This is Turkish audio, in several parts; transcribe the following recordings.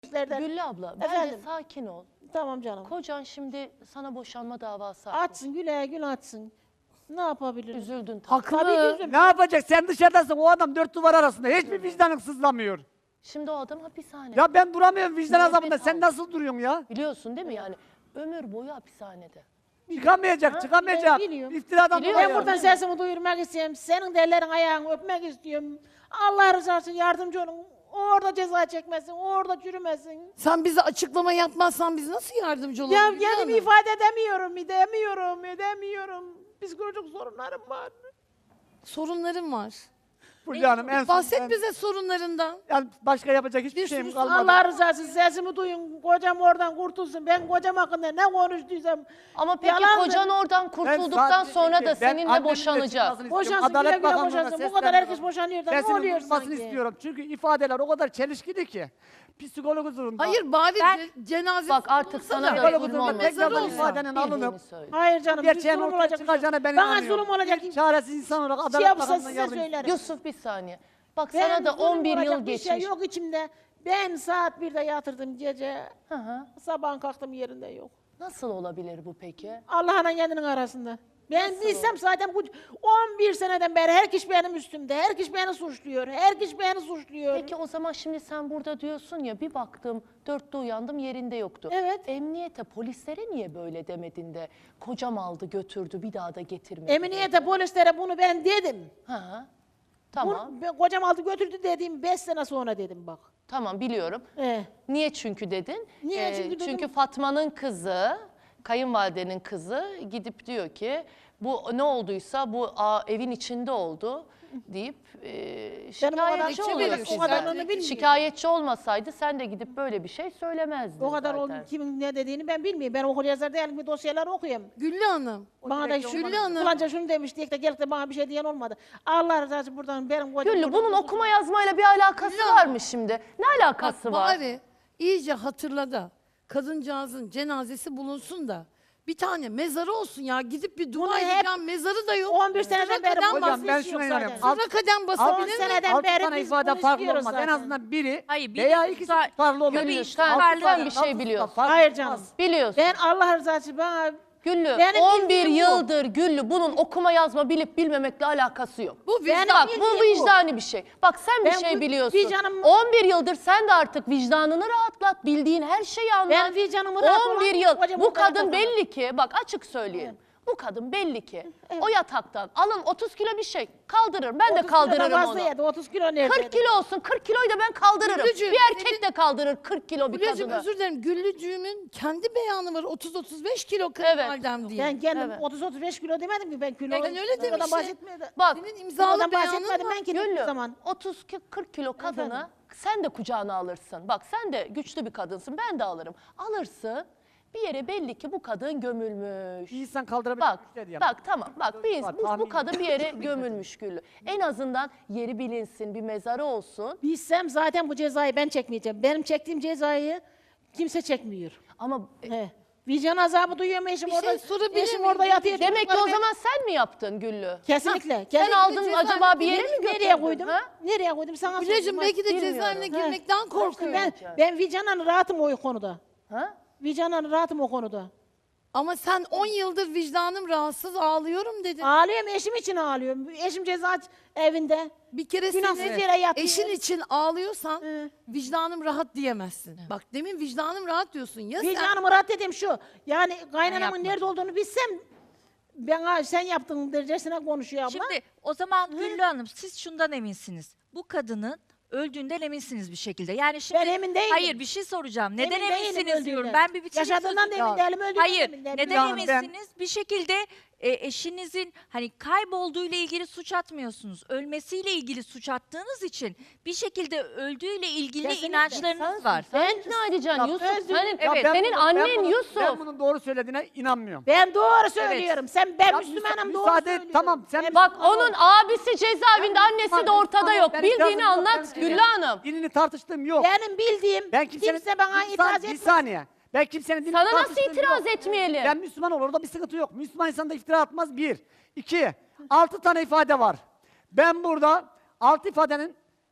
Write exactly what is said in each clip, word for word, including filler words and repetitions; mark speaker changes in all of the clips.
Speaker 1: Güllü abla, bence
Speaker 2: Efendim?
Speaker 1: sakin ol.
Speaker 2: Tamam canım.
Speaker 1: Kocan şimdi sana boşanma davası açmış.
Speaker 2: Açsın, güle güle açsın. Ne yapabilir?
Speaker 1: Üzüldün tabii.
Speaker 3: Haklı.
Speaker 2: Tabii ki üzüldüm.
Speaker 3: Ne yapacak? Sen dışarıdasın. O adam dört duvar arasında. Hiçbir vicdanın sızlamıyor.
Speaker 1: Şimdi o adam hapishanede.
Speaker 3: Ya ben duramıyorum vicdan
Speaker 1: Nefes
Speaker 3: azabında. Sen
Speaker 1: al.
Speaker 3: nasıl duruyorsun ya?
Speaker 1: Biliyorsun değil mi yani? Ömür boyu hapishanede.
Speaker 3: Çıkamayacak, çıkamayacak.
Speaker 2: ben biliyorum.
Speaker 3: İftiradan
Speaker 1: Biliyorum.
Speaker 2: Ben
Speaker 3: dolayı.
Speaker 2: buradan sesimi duyurmak istiyorum. Senin de ellerin ayağını öpmek istiyorum. Allah rızası için yardımcı olun. Orada ceza çekmesin, orada çürümesin.
Speaker 4: Sen bize açıklama yapmazsan biz nasıl yardımcı oluruz?
Speaker 2: Ya
Speaker 4: Hülya
Speaker 2: kendimi
Speaker 4: Hanım?
Speaker 2: ifade edemiyorum, edemiyorum, edemiyorum. Psikolojik sorunlarım var.
Speaker 4: Sorunlarım var.
Speaker 3: Fulya Hanım en son
Speaker 4: Bahset
Speaker 3: ben-
Speaker 4: bize sorunlarından.
Speaker 3: Yani başka yapacak hiçbir
Speaker 4: Bir
Speaker 3: şeyim
Speaker 4: sürü-
Speaker 3: kalmadı.
Speaker 2: Allah rızası için sesimi duyun. Kocam oradan kurtulsun. Ben kocam hakkında ne konuştuysam
Speaker 1: Ama peki
Speaker 2: yalandır.
Speaker 1: kocan oradan
Speaker 3: Ben
Speaker 1: kurtulduktan
Speaker 3: sadece-
Speaker 1: sonra da
Speaker 3: ben
Speaker 1: seninle
Speaker 3: annemin de
Speaker 1: boşanacak.
Speaker 3: çıkmasını istiyorum.
Speaker 2: Boşansın, güle
Speaker 3: Adalet
Speaker 2: güle
Speaker 3: Bakanlığı'na
Speaker 2: boşansın. Bu kadar
Speaker 3: sesleniyorum.
Speaker 2: herkes boşanıyor da ne
Speaker 3: Sesinin
Speaker 2: oluyor
Speaker 3: duyulmasını
Speaker 2: sanki?
Speaker 3: istiyorum. Çünkü ifadeler o kadar çelişkili ki. Psikolog huzurunda.
Speaker 4: Hayır bari
Speaker 5: Ben-
Speaker 4: ce- cenazesi
Speaker 1: Bak artık
Speaker 4: olursa
Speaker 1: sana
Speaker 4: da-
Speaker 1: böyle
Speaker 3: Psikolog
Speaker 1: zulüm
Speaker 3: huzurunda
Speaker 1: olmasın.
Speaker 3: tekrardan
Speaker 4: olsa.
Speaker 3: ifadenin alınıp
Speaker 1: söyle.
Speaker 2: Hayır canım, bir
Speaker 3: gerçeğin
Speaker 2: zulüm
Speaker 3: ortaya
Speaker 2: olacak.
Speaker 3: çıkacağına ben
Speaker 2: Bana
Speaker 3: inanıyorum.
Speaker 2: zulüm olacak.
Speaker 3: Bir çaresiz insan olarak
Speaker 2: Şey
Speaker 3: Adalet
Speaker 2: yapsa
Speaker 3: Bakanlığı'na
Speaker 2: size
Speaker 3: yardım
Speaker 2: söylerim.
Speaker 1: Yusuf bir saniye. Bak
Speaker 2: Ben
Speaker 1: sana da
Speaker 2: zulüm
Speaker 1: on bir
Speaker 2: olacak
Speaker 1: yıl
Speaker 2: bir
Speaker 1: geçmiş.
Speaker 2: şey yok içimde. Ben saat birde yatırdım gece.
Speaker 1: Hı hı.
Speaker 2: Sabahın kalktım yerinde yok.
Speaker 1: Nasıl olabilir bu peki?
Speaker 2: Allah'la kendinin arasında. Ben bilsem zaten bu on bir seneden beri her kişi benim üstümde. Her kişi beni suçluyor. Her kişi beni suçluyor.
Speaker 1: Peki o zaman şimdi sen burada diyorsun ya bir baktım dörtte uyandım yerinde yoktu.
Speaker 2: Evet.
Speaker 1: Emniyete polislere niye böyle demedin de kocam aldı götürdü bir daha da getirmedi.
Speaker 2: Emniyete, polislere bunu ben dedim.
Speaker 1: Ha, tamam
Speaker 2: Bunu, ben, kocam aldı götürdü dediğim beş sene sonra dedim bak.
Speaker 1: tamam biliyorum.
Speaker 2: Eh.
Speaker 1: Niye çünkü dedin?
Speaker 2: Niye çünkü dedim?
Speaker 1: Çünkü Fatma'nın kızı, kayınvalidenin kızı gidip diyor ki bu ne olduysa bu a, evin içinde oldu deyip e, şikayetçi
Speaker 2: kadar-
Speaker 1: oluyor
Speaker 2: o
Speaker 1: size.
Speaker 2: kadarını bilmiyorum.
Speaker 1: Şikayetçi olmasaydı sen de gidip böyle bir şey söylemezdin
Speaker 2: O kadar
Speaker 1: zaten.
Speaker 2: oldu kimin ne dediğini ben bilmiyorum. Ben okur yazar değilim, bir dosyalar okuyayım.
Speaker 4: Güllü Hanım.
Speaker 2: Bana da şu
Speaker 4: Güllü Hanım.
Speaker 2: Falanca şunu demiş diye de gelip de bana bir şey diyen olmadı. Allah razı olsun buradan benim kocam.
Speaker 1: Güllü
Speaker 2: buradan
Speaker 1: bunun
Speaker 2: kurtulsun.
Speaker 1: okuma yazmayla bir alakası var mı şimdi? Ne alakası
Speaker 4: Bak
Speaker 1: var?
Speaker 4: bari iyice hatırla da kadıncağızın cenazesi bulunsun da bir tane mezarı olsun ya. Gidip bir dua
Speaker 2: Bunu hep
Speaker 4: edeceğim mezarı da yok.
Speaker 2: on bir seneden
Speaker 4: Sıra
Speaker 2: beri
Speaker 4: kadem
Speaker 2: bu
Speaker 3: Hocam
Speaker 4: bas-
Speaker 3: ben
Speaker 2: hiç yok
Speaker 3: şuna
Speaker 2: zaten.
Speaker 3: inanıyorum.
Speaker 4: Sıra kadem basabilir mi?
Speaker 2: seneden
Speaker 3: Altı
Speaker 2: beri
Speaker 3: tane
Speaker 2: biz
Speaker 3: ifade
Speaker 2: bunu
Speaker 3: farklı
Speaker 2: istiyoruz
Speaker 3: olmaz. En
Speaker 2: zaten.
Speaker 3: azından biri
Speaker 5: Hayır, biri
Speaker 3: veya ikisi
Speaker 5: tutar-
Speaker 3: tutarlı olur.
Speaker 1: Güllü
Speaker 5: Tabii,
Speaker 1: sen,
Speaker 5: tutarlı
Speaker 1: sen bir
Speaker 5: olan
Speaker 1: şey biliyorsun.
Speaker 2: Hayır canım.
Speaker 1: Biliyorsun.
Speaker 2: Ben Allah rızası için bana
Speaker 1: Güllü
Speaker 2: Benim
Speaker 1: on bir
Speaker 2: bildiğim bu.
Speaker 1: yıldır Güllü bunun okuma yazma bilip bilmemekle alakası yok.
Speaker 4: Bu
Speaker 2: Benim
Speaker 4: vicdan.
Speaker 1: Bak bu
Speaker 2: bildiğim bu.
Speaker 1: vicdani bir şey. Bak sen bir
Speaker 2: Ben
Speaker 1: şey
Speaker 2: bu
Speaker 1: biliyorsun.
Speaker 2: vicdanım-
Speaker 1: on bir yıldır sen de artık vicdanını rahatlat. Bildiğin her şeyi anlat.
Speaker 2: Ben vicdanımı rahat
Speaker 1: on bir
Speaker 2: olan
Speaker 1: yıl.
Speaker 2: kocam
Speaker 1: Bu
Speaker 2: ortaya
Speaker 1: kadın
Speaker 2: koymadı.
Speaker 1: belli ki bak açık söyleyeyim. Bu kadın belli ki o yataktan alın otuz kilo bir şey kaldırır. Ben de
Speaker 2: otuz kilodan
Speaker 1: kaldırırım
Speaker 2: fazla
Speaker 1: onu.
Speaker 2: yedi, otuz kilo nerede?
Speaker 1: kırk kilo olsun kırk kiloyu da ben kaldırırım.
Speaker 4: Güllücüğüm,
Speaker 1: Bir erkek de kaldırır kırk kilo bir
Speaker 4: Güllücüğüm
Speaker 1: kadını.
Speaker 4: özür dilerim. Güllücüğümün kendi beyanı var. otuz otuz beş kilo kayınvalidem diye.
Speaker 2: Ben kendim
Speaker 1: Evet.
Speaker 2: otuz otuz beş kilo demedim ki ben kilo.
Speaker 4: Ben öyle
Speaker 2: Ondan
Speaker 4: demişim.
Speaker 2: bahsetmedim.
Speaker 1: Bak
Speaker 4: Senin imzalı
Speaker 2: Ondan
Speaker 4: beyanın
Speaker 2: bahsetmedim
Speaker 4: var.
Speaker 2: ben ki
Speaker 1: Güllü
Speaker 2: o zaman.
Speaker 1: otuz kırk kilo kadını
Speaker 2: Efendim?
Speaker 1: sen de kucağına alırsın. Bak sen de güçlü bir kadınsın ben de alırım. Alırsın bir yere belli ki bu kadın gömülmüş.
Speaker 3: Bir insan kaldırabilir.
Speaker 1: Bak,
Speaker 3: güçler diye.
Speaker 1: bak tamam bak biz,
Speaker 3: Var,
Speaker 1: bu, bu
Speaker 3: tahmin
Speaker 1: kadın bir yere gömülmüş Güllü. En azından yeri bilinsin bir mezarı olsun.
Speaker 2: Bilsem zaten bu cezayı ben çekmeyeceğim. Benim çektiğim cezayı kimse çekmiyor.
Speaker 1: Ama e,
Speaker 2: He. Vicdan azabı duyuyorum eşim
Speaker 4: Bir şey
Speaker 2: orada.
Speaker 4: sorabilir
Speaker 2: eşim
Speaker 4: miyim?
Speaker 2: orada yatıyor.
Speaker 1: demek ki
Speaker 2: çocukları
Speaker 1: o
Speaker 2: ben-
Speaker 1: zaman sen mi yaptın Güllü?
Speaker 2: Kesinlikle.
Speaker 1: Sen
Speaker 2: kesinlikle
Speaker 1: aldın
Speaker 2: cezaevine
Speaker 1: acaba bir yere mi
Speaker 2: girdim.
Speaker 1: götürdün?
Speaker 2: Nereye koydum?
Speaker 1: Ha?
Speaker 2: Nereye koydum sana
Speaker 4: Güllücüğüm
Speaker 2: sorayım.
Speaker 4: belki de
Speaker 1: bilmiyorum.
Speaker 4: cezaevine
Speaker 2: He.
Speaker 4: girmekten korkuyor.
Speaker 2: Ben, ben vicdanen rahatım o konuda.
Speaker 1: Ha?
Speaker 2: Vicdanen rahatım o konuda.
Speaker 4: Ama sen on yıldır vicdanım rahatsız ağlıyorum dedin.
Speaker 2: Ağlıyorum eşim için ağlıyorum. Eşim ceza evinde.
Speaker 4: Bir kere
Speaker 2: Günahsız
Speaker 4: seni
Speaker 2: yere yatıyor.
Speaker 4: eşin için ağlıyorsan
Speaker 2: Hı.
Speaker 4: vicdanım rahat diyemezsin. Bak demin vicdanım rahat diyorsun. Ya sen
Speaker 2: Vicdanımı rahat dediğim şu. Yani kaynanamın
Speaker 5: yapmadım.
Speaker 2: nerede olduğunu bilsem ben "Aa, sen yaptın derecesine konuşuyor abla.
Speaker 5: Şimdi o zaman Güllü Hanım siz şundan eminsiniz. Bu kadının öldüğünden eminsiniz bir şekilde. Yani şimdi
Speaker 2: Ben emin değilim.
Speaker 5: Hayır bir şey soracağım. Neden
Speaker 2: Emin değilim
Speaker 5: eminsiniz diyorum.
Speaker 2: öldüğünden.
Speaker 5: Ben bir bitireyim
Speaker 2: Yaşadığından da
Speaker 5: sözümü.
Speaker 2: emin değilim, öldüğünden de
Speaker 5: Hayır.
Speaker 2: emin değilim.
Speaker 5: Neden
Speaker 3: Yani ben-
Speaker 5: eminsiniz? Bir şekilde e, eşinizin hani kaybolduğuyla ilgili suç atmıyorsunuz. Ölmesiyle ilgili suç attığınız için bir şekilde öldüğüyle ilgili
Speaker 2: Kesinlikle.
Speaker 5: inançlarınız var.
Speaker 1: Sen ikna edeceksin Yusuf.
Speaker 2: özür-
Speaker 1: Senin,
Speaker 3: Ya
Speaker 5: Evet.
Speaker 3: ben
Speaker 1: senin
Speaker 3: bunu- ben
Speaker 1: annen
Speaker 3: bunu-
Speaker 1: Yusuf.
Speaker 3: Ben bunun doğru söylediğine inanmıyorum.
Speaker 2: Ben doğru söylüyorum. Sen ben
Speaker 3: Ya
Speaker 2: Müslümanım
Speaker 3: müsa-
Speaker 2: doğru
Speaker 3: müsaade et,
Speaker 2: söylüyorum.
Speaker 3: tamam, sen-
Speaker 2: Ben
Speaker 1: Bak
Speaker 2: Müslümanım.
Speaker 1: onun abisi cezaevinde, annesi de ortada yok.
Speaker 3: Ben
Speaker 1: Bildiğini
Speaker 3: itirazım yok,
Speaker 1: anlat
Speaker 3: ben-
Speaker 1: Güllü Hanım.
Speaker 3: Dinini tartıştığım yok.
Speaker 2: Benim bildiğim
Speaker 3: Ben kimsenin,
Speaker 2: kimse bana
Speaker 3: bir,
Speaker 2: itiraz
Speaker 3: san-
Speaker 2: etmez.
Speaker 3: bir saniye. Ben kimsenin dinini
Speaker 1: Sana nasıl
Speaker 3: tartıştığım
Speaker 1: itiraz
Speaker 3: yok.
Speaker 1: etmeyelim?
Speaker 3: Ben Müslüman olur, orada bir sıkıntı yok. Müslüman insan da iftira atmaz, bir. İki, altı tane ifade var. Ben burada altı ifadenin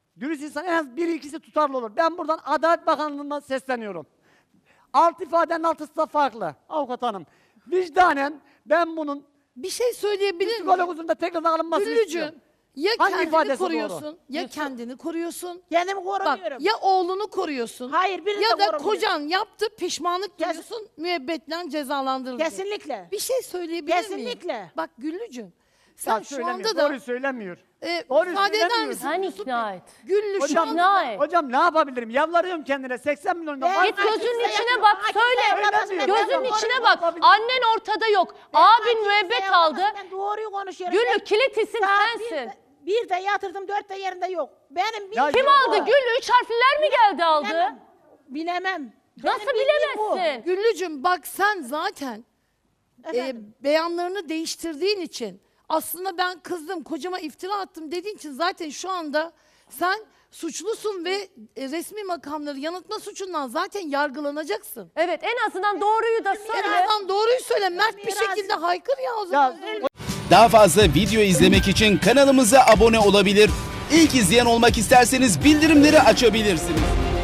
Speaker 3: Dürüst insan en az biri ikisi tutarlı olur. Ben buradan Adalet Bakanlığı'na sesleniyorum. Alt ifadenin altısı da farklı avukat hanım. Vicdanen ben bunun
Speaker 4: Bir şey söyleyebilir
Speaker 3: psikolog
Speaker 4: miyim?
Speaker 3: huzurunda tekrardan alınmasını
Speaker 4: Güllücüğüm,
Speaker 3: istiyorum.
Speaker 4: ya
Speaker 3: Hangi
Speaker 4: kendini
Speaker 3: ifadesi
Speaker 4: koruyorsun,
Speaker 3: doğru?
Speaker 4: ya kendini koruyorsun.
Speaker 2: Kendimi
Speaker 4: Bak
Speaker 2: korumuyorum.
Speaker 4: ya oğlunu koruyorsun.
Speaker 2: Hayır, birini
Speaker 4: ya
Speaker 2: de
Speaker 4: da
Speaker 2: korumuyorum.
Speaker 4: kocan yaptı, pişmanlık
Speaker 2: Kes-
Speaker 4: duyuyorsun, müebbetle cezalandırıldı.
Speaker 2: Kesinlikle.
Speaker 4: Bir şey söyleyebilir miyim?
Speaker 2: Kesinlikle.
Speaker 4: Bak Güllücüğüm, sen
Speaker 3: Ya
Speaker 4: şu
Speaker 3: söylemiyor,
Speaker 4: anda da
Speaker 3: doğruyu söylemiyor.
Speaker 4: e,
Speaker 3: Doğruyu
Speaker 4: müsaade eder
Speaker 3: söylemiyor.
Speaker 4: misin?
Speaker 1: Sen
Speaker 4: Yusuf
Speaker 1: ikna
Speaker 4: Bey?
Speaker 1: et.
Speaker 4: Güllü şu
Speaker 3: Hocam,
Speaker 4: anda
Speaker 1: İkna et.
Speaker 3: hocam ne yapabilirim? Yalvarıyorum kendine seksen milyon
Speaker 2: Ben-
Speaker 3: var.
Speaker 1: Git
Speaker 2: Ay,
Speaker 1: gözünün
Speaker 2: kimse
Speaker 1: içine
Speaker 2: yapma.
Speaker 1: bak,
Speaker 2: Ay,
Speaker 1: söyle.
Speaker 2: kimse yapamaz. Ben
Speaker 1: Gözünün
Speaker 2: doğruyu
Speaker 1: içine bak.
Speaker 3: yapabilirim.
Speaker 1: Annen ortada yok. Abin müebbet aldı.
Speaker 2: Ben doğruyu konuşuyorum.
Speaker 1: Güllü
Speaker 2: Ben-
Speaker 1: kilit isim
Speaker 2: Saat
Speaker 1: sensin.
Speaker 2: birde- Bir de yatırdım, dört de yerinde yok. Benim
Speaker 3: Ya
Speaker 2: bildiğim
Speaker 1: Kim
Speaker 3: yok.
Speaker 2: bu.
Speaker 1: aldı? Güllü üç harfliler mi geldi aldı?
Speaker 2: Bilemem. Bilemem. Benim
Speaker 1: Nasıl
Speaker 2: bildiğim bu.
Speaker 1: bilemezsin?
Speaker 4: Güllücüğüm bak sen zaten e,
Speaker 2: Efendim?
Speaker 4: beyanlarını değiştirdiğin için aslında ben kızdım, kocama iftira attım dediğin için zaten şu anda sen suçlusun ve e, resmi makamları yanıltma suçundan zaten yargılanacaksın.
Speaker 1: Evet, en azından doğruyu da
Speaker 4: En
Speaker 1: söyle.
Speaker 4: azından doğruyu söyle, mert bir
Speaker 2: Biraz-
Speaker 4: şekilde haykır ya o zaman.
Speaker 3: Ya,
Speaker 6: Daha fazla video izlemek için kanalımıza abone olabilir. İlk izleyen olmak isterseniz bildirimleri açabilirsiniz.